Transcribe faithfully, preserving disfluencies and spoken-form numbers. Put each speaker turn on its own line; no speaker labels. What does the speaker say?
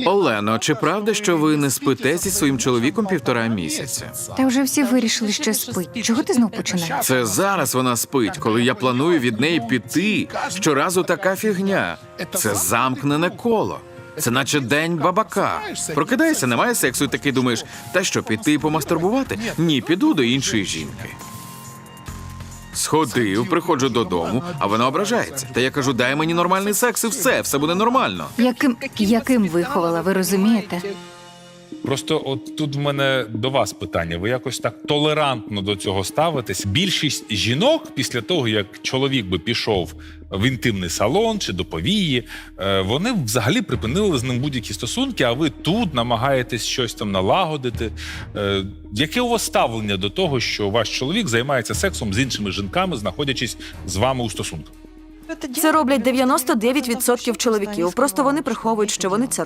Олено, чи правда, що ви не спите зі своїм чоловіком півтора місяця?
Та вже всі вирішили, що спить. Чого ти знов починаєш?
Це зараз вона спить, коли я планую від неї піти. Щоразу така фігня. Це замкнене коло. Це наче день бабака. Прокидаєшся, немає сексу, і такий думаєш, та що, піти помастурбувати? Ні, піду до іншої жінки. Сходив, приходжу додому, а вона ображається. Та я кажу, дай мені нормальний секс і все, все буде нормально.
Яким, яким виховала, ви розумієте?
Просто от тут в мене до вас питання. Ви якось так толерантно до цього ставитесь. Більшість жінок після того, як чоловік би пішов в інтимний салон чи до повії, е, вони взагалі припинили з ним будь-які стосунки, а ви тут намагаєтесь щось там налагодити. Е, яке у вас ставлення до того, що ваш чоловік займається сексом з іншими жінками, знаходячись з вами у стосунках?
Це роблять дев'яносто дев'ять відсотків чоловіків. Просто вони приховують, що вони це